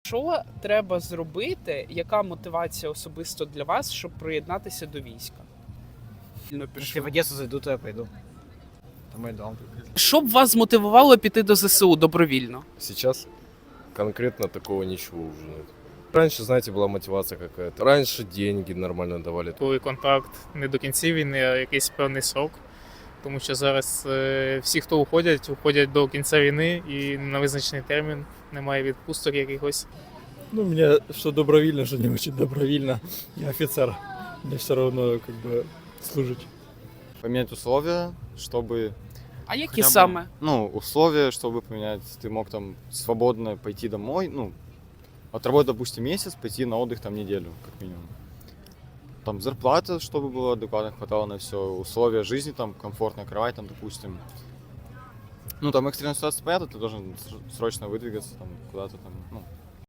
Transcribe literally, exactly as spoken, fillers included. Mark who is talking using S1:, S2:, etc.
S1: Що треба зробити? Яка мотивація особисто для вас, щоб приєднатися до війська?
S2: Если в Одессу зайду, то я пойду. Это мой дом.
S1: Що б вас змотивувало піти до ЗСУ добровільно?
S3: Сейчас конкретно такого ничего уже нет. Раньше, знаете, была мотивация какая-то. Раньше деньги нормально давали.
S4: Коли контракт не до кінця війни, а якийсь певний срок. Тому що зараз е, всі, хто уходять, уходять до кінця війни і на визначений термін, немає відпусток якихось.
S5: Ну, мне что добровольно, что не очень добровольно. Я офицер. Мне все равно как бы служить.
S6: Поменять условия, чтобы...
S1: А які
S6: хотя бы,
S1: саме?
S6: Ну, условия, чтобы поменять, ты мог там свободно пойти домой, ну, отработать, допустим, месяц, пойти на отдых там неделю, как минимум. Там зарплата, чтобы было адекватно, хватало на все, условия жизни, там, комфортная кровать, там, допустим. Ну, там экстренная ситуация, понятно, ты должен срочно выдвигаться, там, куда-то там, ну,